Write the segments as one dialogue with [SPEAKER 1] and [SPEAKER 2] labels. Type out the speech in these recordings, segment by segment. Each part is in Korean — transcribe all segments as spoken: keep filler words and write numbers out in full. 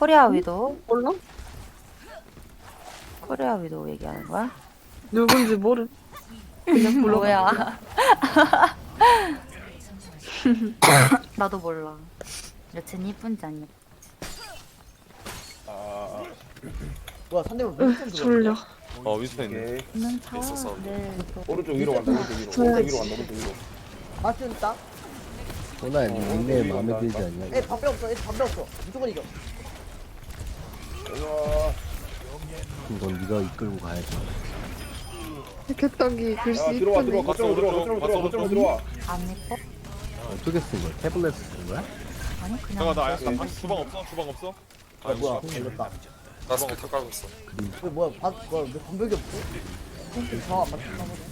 [SPEAKER 1] 코리아 위도.
[SPEAKER 2] 몰라?
[SPEAKER 1] 코리아 위도 얘기하는 거야?
[SPEAKER 2] 누군지 모르. 그냥 불러.
[SPEAKER 1] 뭐야? 나도 몰라. 여친 이쁜지 안 예쁜지.
[SPEAKER 3] 아,
[SPEAKER 4] 뭐야 상대방
[SPEAKER 2] 으,
[SPEAKER 4] 윈스턴
[SPEAKER 2] 졸려.
[SPEAKER 5] 어 윈스턴 있네.
[SPEAKER 3] 오케이.
[SPEAKER 1] 있는 차와
[SPEAKER 6] 있었어.
[SPEAKER 1] 네.
[SPEAKER 3] 오른쪽 위로 간다. 오른쪽 위로.
[SPEAKER 2] 저야.
[SPEAKER 3] 오른쪽 위로 간다. 오른쪽 위로.
[SPEAKER 4] 마스는 있다.
[SPEAKER 7] 호나 니 닉네임 마음에 들지
[SPEAKER 4] 애
[SPEAKER 7] 않냐?
[SPEAKER 4] 담배 없어. 애 담배 없어. 무조건 이겨.
[SPEAKER 3] 우와.
[SPEAKER 7] 이건 네가 이끌고 가야지.
[SPEAKER 2] 개떡이 글씨
[SPEAKER 3] 야 들어와
[SPEAKER 2] 이쁘네.
[SPEAKER 3] 들어와. 거점으로 들어와. 거점으로 들어와. 거점으로 들어와.
[SPEAKER 1] 안 예뻐?
[SPEAKER 7] 어떻게 쓴 거야? 태블릿 쓴 거야?
[SPEAKER 1] 아니 그냥.
[SPEAKER 5] 잠깐 나
[SPEAKER 1] 그래서
[SPEAKER 5] 아, 주방 없어? 주방 없어?
[SPEAKER 4] 야
[SPEAKER 5] 아이고
[SPEAKER 4] 뭐야
[SPEAKER 5] 씨.
[SPEAKER 4] 걸렸다.
[SPEAKER 6] 나 스킬 깔고 있어.
[SPEAKER 4] 왜 뭐야 바 뭐야 왜 담배기 없어? 상황 맞췄나 보네.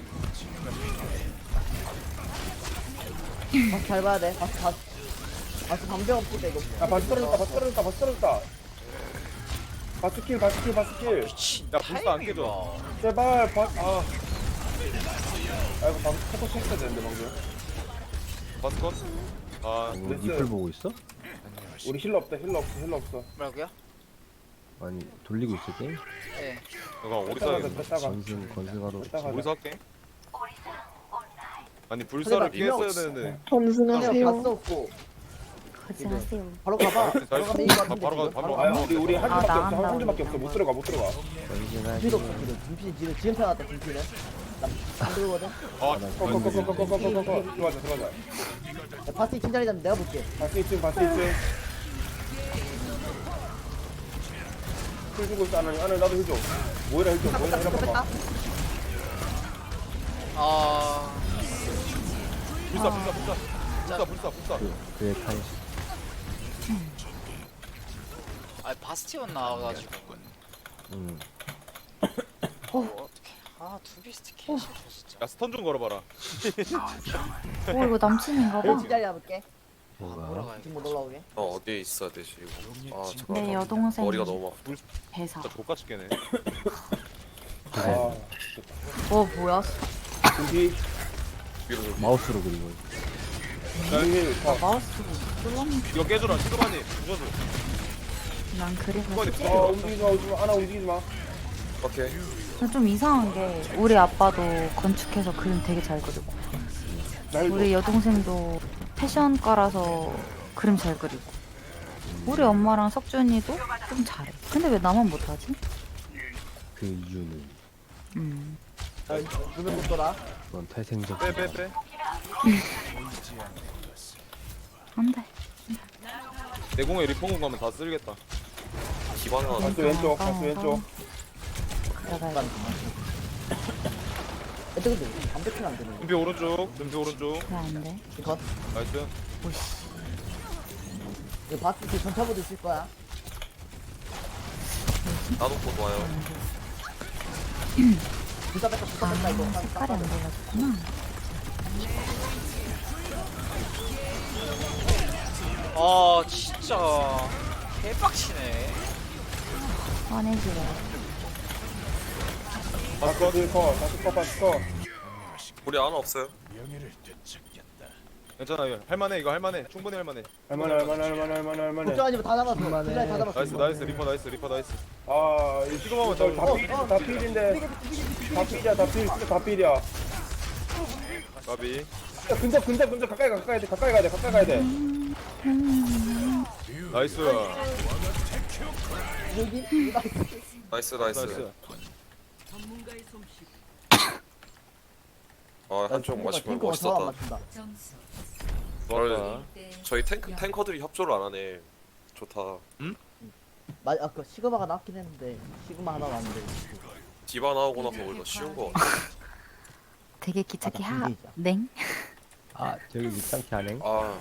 [SPEAKER 4] 바스 잘 봐야 돼. 바스 바스 바스 담배 없을 때 이거.
[SPEAKER 3] 야 바스 떨어졌다. 바스 떨어졌다. 바스 떨어졌다. 바스 킬. 바스 킬. 바스 킬.
[SPEAKER 5] 야 불사 안 깨져.
[SPEAKER 3] 제발 바스. 아. 아이고 방금 포커 쳤어야 되는데 방금.
[SPEAKER 5] 바스 컷. 아
[SPEAKER 7] 뭐
[SPEAKER 3] 됐어요.
[SPEAKER 7] 니플 보고 있어?
[SPEAKER 3] 우리 힐러 없다. 힐러 없어. 힐러 없어.
[SPEAKER 8] 뭐라고요?
[SPEAKER 7] 아니 돌리고 있어 게임?
[SPEAKER 8] 네.
[SPEAKER 5] 내가 오리사
[SPEAKER 3] 뺐다가
[SPEAKER 5] 해야겠네.
[SPEAKER 3] 뺐다가
[SPEAKER 7] 건승 건승하러
[SPEAKER 3] 뺐다가.
[SPEAKER 5] 오리사 할게. 아니 불사를 피했어야 되는데.
[SPEAKER 4] 상대방 바스
[SPEAKER 2] 점승하세요.
[SPEAKER 4] 없고
[SPEAKER 1] 거짓하세요.
[SPEAKER 4] 바로 가봐.
[SPEAKER 5] 나이스.
[SPEAKER 4] 바로 가면 이거
[SPEAKER 5] 가,
[SPEAKER 4] 같은데
[SPEAKER 5] 바로 가,
[SPEAKER 4] 지금.
[SPEAKER 5] 바로
[SPEAKER 3] 아
[SPEAKER 5] 가.
[SPEAKER 3] 우리 우리 한
[SPEAKER 1] 아,
[SPEAKER 3] 줄밖에
[SPEAKER 1] 나
[SPEAKER 3] 없어.
[SPEAKER 1] 안
[SPEAKER 3] 한 줄밖에
[SPEAKER 1] 나오네.
[SPEAKER 3] 없어. 못 들어가. 못 들어가.
[SPEAKER 7] 건승하시.
[SPEAKER 4] 뒤도 없어 지금. 김필이 지금 지금 태어났다 김필은. 나안 들거든.
[SPEAKER 5] 아
[SPEAKER 3] 꺼꺼꺼꺼꺼꺼꺼꺼꺼. 들어가자 들어가자.
[SPEAKER 4] 야, 바스 이층 자리 잡으면 내가 볼게.
[SPEAKER 3] 바스 이층 바스 이층. 힐 주고 있어. 안에 안에 나도 힐 줘. 모이라 힐 줘. 모이라 힐
[SPEAKER 4] 뺐다.
[SPEAKER 3] 줘봐.
[SPEAKER 8] 아,
[SPEAKER 5] 불사 불사 불사. 불사 불사 불사.
[SPEAKER 7] 그의 탄
[SPEAKER 8] 아 바스티온 나와가지고.
[SPEAKER 7] 응.
[SPEAKER 8] 어, 어떻게? 아 두비스트 개 싫어 진짜.
[SPEAKER 5] 야 스턴 좀 걸어봐라.
[SPEAKER 1] 어 이거 남친인가 봐.
[SPEAKER 4] 이층 자리 잡을게.
[SPEAKER 7] 뭐가?
[SPEAKER 8] 올라가야
[SPEAKER 4] 지금 못 올라오게.
[SPEAKER 6] 너 어디에 있어야 되지 이거? 아 잠깐.
[SPEAKER 1] 내 여동생
[SPEAKER 6] 머리가 너무 아파.
[SPEAKER 1] 배사.
[SPEAKER 5] 진짜 족같이 깨네.
[SPEAKER 3] 아,
[SPEAKER 1] 어 뭐야?
[SPEAKER 3] 준비.
[SPEAKER 6] 위로 좀.
[SPEAKER 7] 마우스로 그리고.
[SPEAKER 3] 힐. 아,
[SPEAKER 1] 마우스 뚫었는데
[SPEAKER 5] 이거 깨줘라. 시그마니 부셔줘.
[SPEAKER 1] 난 그래서
[SPEAKER 5] 시그마니
[SPEAKER 1] 쉽게
[SPEAKER 3] 어,
[SPEAKER 5] 부셔줘.
[SPEAKER 3] 움직이지 마, 움직이지 마. 하나 움직이지 마.
[SPEAKER 6] 오케이.
[SPEAKER 1] 근데 좀 이상한 게 우리 아빠도 건축해서 그림 되게 잘 그리고
[SPEAKER 3] 날
[SPEAKER 1] 우리 여동생도 패션과라서 그림 잘 그리고 우리 엄마랑 석준이도 좀 잘해. 근데 왜 나만 못하지?
[SPEAKER 7] 그 이유는
[SPEAKER 1] 음.
[SPEAKER 4] 눈을 못 돌아.
[SPEAKER 7] 그건 태생적.
[SPEAKER 5] 빼 빼 빼.
[SPEAKER 1] 안 돼.
[SPEAKER 5] 내 공에 리폼 가면 다 쓸겠다.
[SPEAKER 6] 기반 하나.
[SPEAKER 3] 바스 왼쪽, 바스 왼쪽.
[SPEAKER 1] 그래가
[SPEAKER 4] 애들 근데 담배 피면 안 되는
[SPEAKER 5] 눈피 오른쪽. 눈피 오른쪽.
[SPEAKER 1] 그래 안 돼.
[SPEAKER 4] 거.
[SPEAKER 5] 나이스.
[SPEAKER 4] 이거 바스 그 전차보도 있을 거야.
[SPEAKER 6] 나놓고 와요.
[SPEAKER 4] 불사 뺐다 불사 뺐다 이거.
[SPEAKER 1] 아, 색깔이 안 달라졌구나.
[SPEAKER 8] 아 진짜 개빡치네.
[SPEAKER 1] 화내지 마.
[SPEAKER 3] 바스 커, 바스 커, 바스 커.
[SPEAKER 6] 우리 하나 없어요.
[SPEAKER 5] 괜찮아. 이거 할만해. 이거 할만해. 충분히 할만해.
[SPEAKER 3] 할만해, 할만해, 할만해, 할만해, 할만해.
[SPEAKER 4] 걱정 아니면 다 잡았어. 그 자리 다 잡았어.
[SPEAKER 5] 나이스 나이스 리퍼 나이스 리퍼 나이스.
[SPEAKER 3] 아, 이
[SPEAKER 5] 시그마만
[SPEAKER 3] 저
[SPEAKER 5] 잡으면
[SPEAKER 3] 다 필, 다 필인데. 다 필이야, 다 필, 진짜 다 필이야. 야,
[SPEAKER 5] 가비.
[SPEAKER 3] 근접, 근접, 근접 가까이 가, 가까이 돼, 가까이 가야 돼, 가까이 가야 돼.
[SPEAKER 5] 나이스.
[SPEAKER 4] 여기
[SPEAKER 6] 나이스 나이스.
[SPEAKER 5] 나이스.
[SPEAKER 6] 아 한쪽 마시면 멋있었다.
[SPEAKER 4] 맞춘다.
[SPEAKER 5] 좋았다.
[SPEAKER 6] 저희 탱크 탱커들이 협조를 안 하네. 좋다.
[SPEAKER 4] 마, 아까 시그마가 나왔긴 했는데 시그마 하나 왔는데.
[SPEAKER 6] 디바 나오고 나서 오히려 쉬운 거 같아.
[SPEAKER 1] 되게 기차기
[SPEAKER 4] 아, 나
[SPEAKER 1] 하.
[SPEAKER 4] 군대이자.
[SPEAKER 1] 냉?
[SPEAKER 7] 아 저기 밑장치 하네.
[SPEAKER 6] 아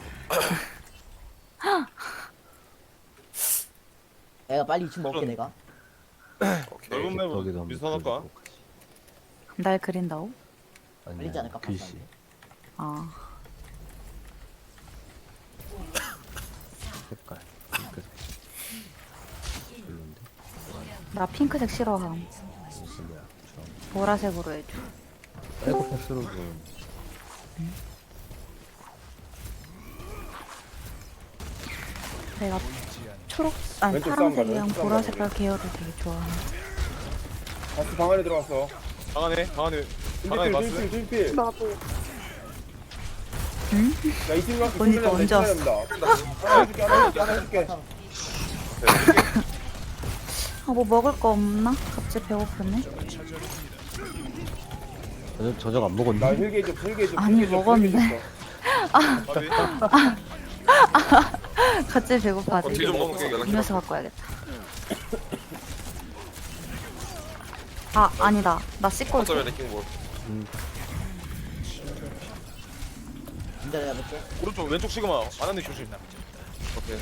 [SPEAKER 4] 내가 빨리 이층 먹게 내가.
[SPEAKER 6] 오케이.
[SPEAKER 5] 넓은 맵은
[SPEAKER 7] 거기도 한번
[SPEAKER 5] 미선할까?
[SPEAKER 7] 그려보고 가지.
[SPEAKER 1] 날 그린다고?
[SPEAKER 7] 아니
[SPEAKER 4] 알리지 않을까,
[SPEAKER 7] 글씨.
[SPEAKER 1] 아.
[SPEAKER 7] 색깔. 핑크색. 별론데.
[SPEAKER 1] 나 핑크색 싫어함.
[SPEAKER 7] 무슨 거야? 주황.
[SPEAKER 1] 보라색으로 해줘.
[SPEAKER 7] 빼고 패스로 좀.
[SPEAKER 1] 내가
[SPEAKER 2] 초록
[SPEAKER 1] 아니
[SPEAKER 3] 왼쪽 싸움 가자,
[SPEAKER 1] 파란색이랑
[SPEAKER 3] 왼쪽 싸움
[SPEAKER 1] 보라색깔 계열을 되게 좋아하는.
[SPEAKER 3] 바스 방 안에 들어갔어.
[SPEAKER 5] 방 안에 방 안에 방 안에
[SPEAKER 3] 딜필
[SPEAKER 5] 봤어?
[SPEAKER 3] 딜필 딜필.
[SPEAKER 2] 나도.
[SPEAKER 3] 야 이팀 가서
[SPEAKER 1] 언니 또 언제 왔어?
[SPEAKER 3] 하나 해줄게 하나 해줄게 하나 해줄게.
[SPEAKER 1] 아 뭐 먹을 거 없나? 갑자기 배고프네.
[SPEAKER 7] 저녁, 저녁 안 먹었니?
[SPEAKER 3] 나 힐게 줘 힐게 줘.
[SPEAKER 1] 아니,
[SPEAKER 3] 힐게 줘,
[SPEAKER 1] 먹었는데.
[SPEAKER 3] 힐게 줘.
[SPEAKER 5] 밥이?
[SPEAKER 1] 갑자기 배고파지.
[SPEAKER 6] 어, 딜좀 먹을게 연락해.
[SPEAKER 1] 음료수 갖고 와야겠다. 아 아니다. 나 씻고
[SPEAKER 6] 어쩌면
[SPEAKER 1] 올게.
[SPEAKER 6] 레킹볼.
[SPEAKER 4] 진짜 내가 볼게.
[SPEAKER 5] 오른쪽 왼쪽 시그마 안한데 조심.
[SPEAKER 6] 오케이.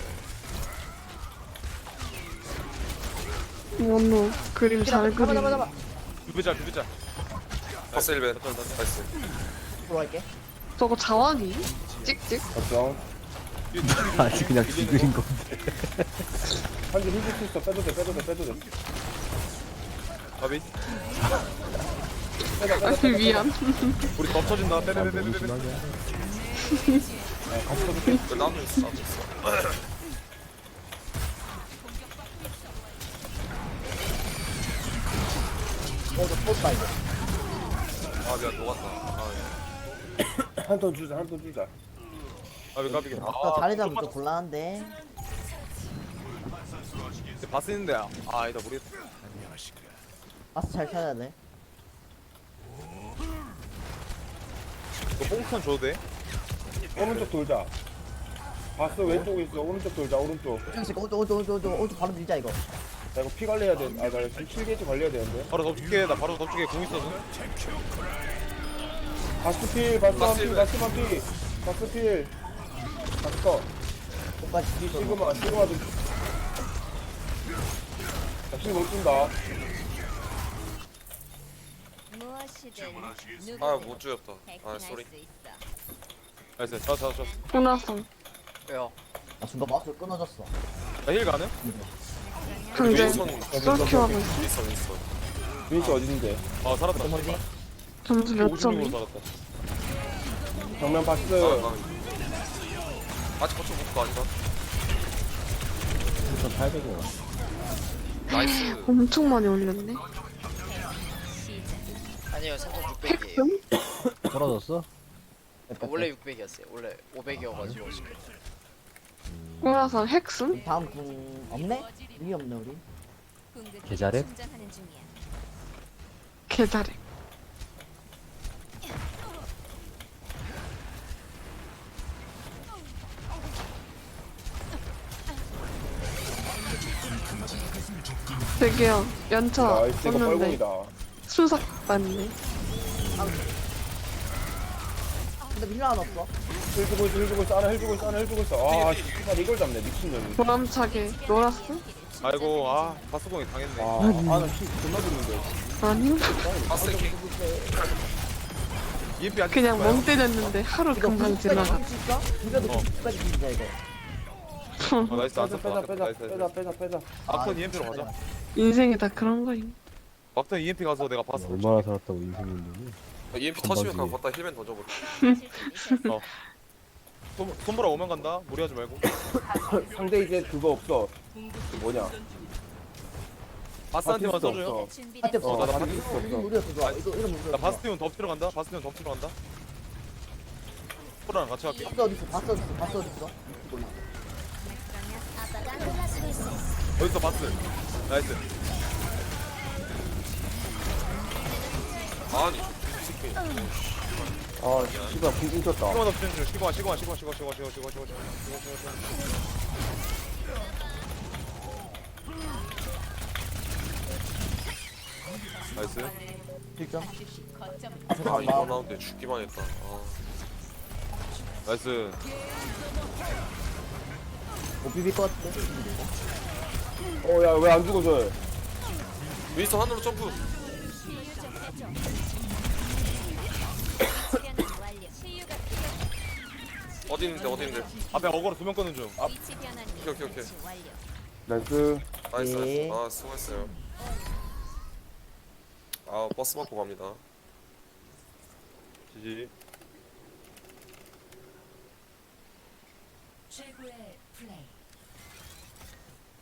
[SPEAKER 2] 원노 그림 잘
[SPEAKER 4] 잡아 잡아
[SPEAKER 2] 그리네.
[SPEAKER 4] 잡아.
[SPEAKER 5] 두배자 두배자.
[SPEAKER 6] 파스 일 벤. 나이스.
[SPEAKER 4] 들어갈게.
[SPEAKER 2] 저거 자완이? 찍찍.
[SPEAKER 3] 걱정.
[SPEAKER 7] 아직 그냥 지그린 건데.
[SPEAKER 3] 한줄 힐줄 수 있어. 빼도 돼 빼도 돼 빼도 돼.
[SPEAKER 5] 밥이?
[SPEAKER 3] 빼자 빼자
[SPEAKER 2] 아니
[SPEAKER 3] 빼자.
[SPEAKER 2] 미안.
[SPEAKER 5] 우리 덮쳐진다.
[SPEAKER 7] 아, 너무
[SPEAKER 5] 빼빼빼빼빼.
[SPEAKER 7] 심하게 하네.
[SPEAKER 3] 같이 써줄게.
[SPEAKER 6] 그 나무 있어 나무 있어.
[SPEAKER 4] 어저 뽀다 이거.
[SPEAKER 6] 아 미안 녹았다. 아,
[SPEAKER 3] 한 톤 주자 한 톤 주자.
[SPEAKER 5] 밥이 까비게.
[SPEAKER 4] 아까 자리 잡으면 좀 곤란한데.
[SPEAKER 5] 바스 있는데 아 아니다 모르겠다.
[SPEAKER 4] 바스 잘 찾아야 돼.
[SPEAKER 5] 이거 뽕턴 줘도 돼?
[SPEAKER 3] 오른쪽 돌자. 바스 왼쪽에 있어. 오른쪽 돌자 오른쪽.
[SPEAKER 4] 오른쪽 오른쪽 오른쪽 오른쪽 오른쪽 바로 밀자 이거.
[SPEAKER 3] 나 이거 피 관리해야 돼. 아나 지금 칠 게이지 관리해야 되는데.
[SPEAKER 5] 바로 덮칠게. 나 바로 덮칠게. 공 있어서.
[SPEAKER 3] 바스 필 바스
[SPEAKER 6] 바스
[SPEAKER 3] 필
[SPEAKER 6] 필.
[SPEAKER 3] 바스 필 바스 필. 바스 거.
[SPEAKER 4] 끝까지
[SPEAKER 3] 이 시그마 시그마 좀. 나힐못 준다.
[SPEAKER 6] 아못 죽였다. 아 쏘리.
[SPEAKER 5] 나이스. 자, 자, 자.
[SPEAKER 2] 호나성.
[SPEAKER 8] 왜요?
[SPEAKER 4] 아 순간 마우스 끊어졌어.
[SPEAKER 5] 나힐 가능?
[SPEAKER 2] 강제.
[SPEAKER 6] 윈선
[SPEAKER 2] 쏠큐 하고 있어.
[SPEAKER 6] 윈선 윈선.
[SPEAKER 3] 윈스 어딨는데?
[SPEAKER 5] 아 살았다.
[SPEAKER 4] 뭐지?
[SPEAKER 2] 점수 몇
[SPEAKER 5] 오십육으로
[SPEAKER 2] 점이?
[SPEAKER 5] 살았다.
[SPEAKER 3] 정면 바스.
[SPEAKER 6] 아, 아직 거쳐 못거 아닌가?
[SPEAKER 7] 팔백이 원.
[SPEAKER 6] 나이스.
[SPEAKER 2] 엄청 많이 올렸네.
[SPEAKER 8] 아니요 생선 육백이에요.
[SPEAKER 2] 핵금?
[SPEAKER 7] 떨어졌어?
[SPEAKER 8] 원래 육백이었어요. 원래 오백이어가지고 지금.
[SPEAKER 2] 호나성 핵슴?
[SPEAKER 4] 다음 궁 없네? 의미 없네 우리.
[SPEAKER 7] 계좌랩?
[SPEAKER 2] 개잘해. 되게요. 연차
[SPEAKER 3] 나이스 이거
[SPEAKER 2] 썼는데
[SPEAKER 3] 뻘공이다.
[SPEAKER 2] 순삭 받네.
[SPEAKER 4] 근데 밀려 안 없어.
[SPEAKER 3] 힐 주고 있어 힐 주고 있어 하나 힐 주고 있어 하나 힐 주고 있어. 아 씨발 이걸 잡네 미친년이.
[SPEAKER 2] 보람차게 놀았어?
[SPEAKER 5] 아이고 아 바스공이 당했네.
[SPEAKER 3] 아나 힐 존나 죽는데.
[SPEAKER 2] 아니
[SPEAKER 6] 파스 레킹.
[SPEAKER 5] 이엠피 아직
[SPEAKER 2] 그냥
[SPEAKER 5] 있을까요?
[SPEAKER 2] 멍 때렸는데 하루
[SPEAKER 4] 이거
[SPEAKER 2] 금방 지나가.
[SPEAKER 4] 끝까지 있어? 이거도
[SPEAKER 5] 어.
[SPEAKER 4] 끝까지 밀자 이거.
[SPEAKER 5] 어, 나이스 안
[SPEAKER 3] 빼자
[SPEAKER 5] 썼다.
[SPEAKER 3] 빼자 빼자
[SPEAKER 5] 나이스,
[SPEAKER 3] 빼자
[SPEAKER 5] 나이스.
[SPEAKER 3] 빼자 빼자.
[SPEAKER 5] 막턴 이엠피로 가자.
[SPEAKER 2] 인생이 다 그런 거임.
[SPEAKER 5] 막턴 이엠피 가서 내가 바스.
[SPEAKER 7] 얼마나 살았다고 인생인데.
[SPEAKER 6] 이엠피
[SPEAKER 7] 건방지게.
[SPEAKER 6] 터지면 그냥 걷다 힐벤 던져버려.
[SPEAKER 5] 손 손보라 오면 간다. 무리하지 말고.
[SPEAKER 3] 상대 이제 그거 없어. 그 뭐냐?
[SPEAKER 5] 바스한테만
[SPEAKER 3] 바티스트
[SPEAKER 5] 써줘요.
[SPEAKER 3] 없어.
[SPEAKER 4] 한테
[SPEAKER 5] 어, 나
[SPEAKER 4] 없어.
[SPEAKER 3] 바티스트
[SPEAKER 4] 이거
[SPEAKER 3] 없어.
[SPEAKER 4] 우리가 더 좋아. 이거 이러면 우리가
[SPEAKER 5] 나
[SPEAKER 4] 좋아.
[SPEAKER 5] 바스티온 덮치러 간다. 바스티온 덮치러 간다. 소라랑 같이 갈게.
[SPEAKER 4] 바스 어디 있어? 바스 어디 있어? 바스 어디 있어? 몰라.
[SPEAKER 5] 어딨어 바스. 나이스.
[SPEAKER 6] 아니 이 새끼.
[SPEAKER 3] 아 씨발 궁 졌다.
[SPEAKER 5] 시그마 덮치는 중. 시그마 시그마 시그마 시그마 시그마 시그마 시그마 시그마 시그마 시그마 시그마. 나이스.
[SPEAKER 4] 일 점.
[SPEAKER 6] 아
[SPEAKER 4] 잠깐만.
[SPEAKER 6] 이거 나오는데 죽기만 했다. 아.
[SPEAKER 5] 나이스.
[SPEAKER 4] 못 비빌 것 같은데?
[SPEAKER 3] 어야 왜 안 죽어져?
[SPEAKER 6] 윈선 하늘로 점프. 어디 있는데 어디 있는데?
[SPEAKER 5] 앞에 어거로 두 명 끄는 중. 앞.
[SPEAKER 6] 오케이 오케이 오케이.
[SPEAKER 3] 나이스.
[SPEAKER 6] 나이스
[SPEAKER 4] 예.
[SPEAKER 6] 나이스. 아 수고했어요. 아 버스 받고 갑니다.
[SPEAKER 5] 지지.
[SPEAKER 9] 최고의 플레이.